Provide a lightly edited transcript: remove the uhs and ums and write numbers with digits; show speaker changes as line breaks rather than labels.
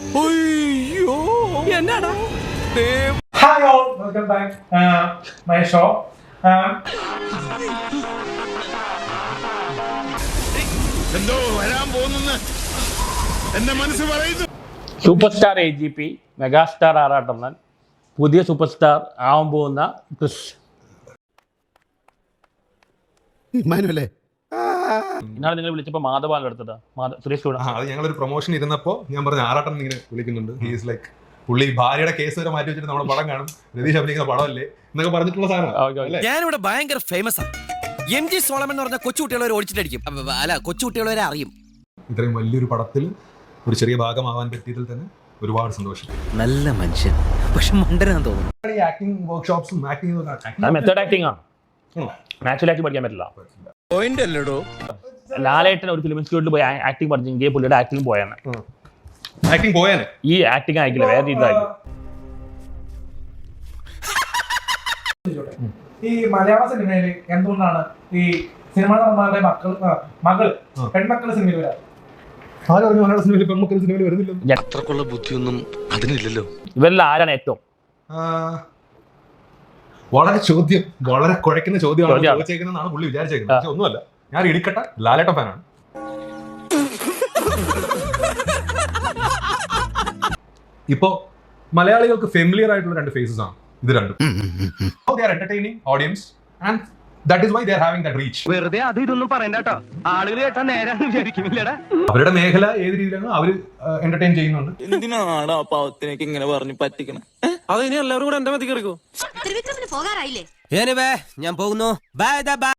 Hi all, welcome back my show.
എന്തോ വരാൻ പോകുന്നെന്ന് എന്റെ മനസ്സ് പറയുന്നു.
സൂപ്പർ സ്റ്റാർ AGP മെഗാസ്റ്റാർ ആറാട്ടണ്ണൻ പുതിയ സൂപ്പർ സ്റ്റാർ ആവാൻ പോകുന്ന ക്രിസ്. ഇന്നാണ് നിങ്ങൾ വിളിച്ചപ്പോൾ മാധവാണ് എടുത്തത്. സുരേഷ്
അത് ഞങ്ങളൊരു പ്രൊമോഷൻ ഇരുന്നപ്പോൾ ഞാൻ പറഞ്ഞു ആറാട്ടൻ ഇങ്ങനെ വിളിക്കുന്നുണ്ട്. ഹീസ് ലൈക്ക് പുള്ളി ഭാര്യയുടെ കേസ് വരെ മാറ്റി വെച്ചിട്ട് നമ്മുടെ പടം കാണും, രതീഷ് അഭിനയിക്കുന്ന പടമല്ലേ എന്നൊക്കെ പറഞ്ഞിട്ടുള്ള സാധനം.
ഞാനിവിടെ ഭയങ്കര ഫേമസ് ആണ്. MG സോളമൻ എന്ന് പറഞ്ഞ കൊച്ചുകുട്ടികളെ ഓടിച്ചിട്ടടിക്കും. അല്ല, കൊച്ചുകുട്ടികളെ അറിയും.
ഇത്രയും വലിയൊരു പടത്തിൽ ഒരു ചെറിയ ഭാഗമാവാൻ പറ്റിയതിൽ തന്നെ ഒരുപാട് സന്തോഷം.
നല്ല മനുഷ്യൻ, പക്ഷെ മണ്ടനാന്ന് തോന്നുന്നു.
ഈ ആക്ടിങ് വർക്ക്ഷോപ്സും
മെത്തേഡ് ആക്ടിംഗ് ആണ്, നാച്ചുറൽ ആക്ടിങ് പഠിക്കാൻ പറ്റില്ല. ലാലേട്ടൻ ഒരു ഫിലിം ഇൻസ്റ്റിറ്റ്യൂട്ടിൽ പോയി ആക്ടിങ് പഠിച്ചെങ്കിൽ പുള്ളിയുടെ ആക്ടിങ് പോയാണ്.
ആക്ടിങ് പോയാനെ
ഈ ആക്ടിങ് ആയിക്കില്ല, വേറെ രീതിയിലായിരിക്കും.
ഈ മലയാള സിനിമയിൽ എന്തുകൊണ്ടാണ് ഈ സിനിമാ നടന്മാരുടെ മകൾ പെൺമക്കളുടെ സിനിമയിൽ വരാം?
ആരും പറഞ്ഞു മലയാള സിനിമയിൽ പെൺമക്കൾ സിനിമയിൽ വരുന്നില്ല.
അത്രക്കുള്ള ബുദ്ധിയൊന്നും അതിനില്ലല്ലോ.
ഇവരിൽ ആരാണ് ഏറ്റവും
വളരെ കുഴക്കുന്ന ചോദ്യമാണ് ചോദിച്ചേക്കുന്നതാണ് പുള്ളി വിചാരിച്ചേക്കുന്നത്. പക്ഷെ ഒന്നുമല്ല, ഞാൻ ഇടിക്കട്ട ലാലേട്ട ഫാനാണ്. ഇപ്പോ മലയാളികൾക്ക് ഫെമിലിയർ ആയിട്ടുള്ള രണ്ട് ഫേസസ് ആണ് ഇത് രണ്ടും. They are entertaining audience and that is why they are having that reach.
വെറുതെ അത് ഇതൊന്നും പറയണ്ട കേട്ടോ, ആളുകൾ കേട്ടാ നേരാന്ന് വിചാരിക്കുന്നില്ലടാ.
അവരുടെ മേഖല ഏത് രീതിയിലാണ് അവര് എന്റർടൈൻ ചെയ്യുന്നുണ്ട്.
എന്തിനാണ് ആ പാവത്തിനേക്ക് ഇങ്ങനെ പറഞ്ഞു പറ്റിക്കണം?
അത് ഇനി എല്ലാവരും കൂടെ എന്റെ മതി കയറിക്കോ.
ഞാൻ പോകുന്നു. ബൈ.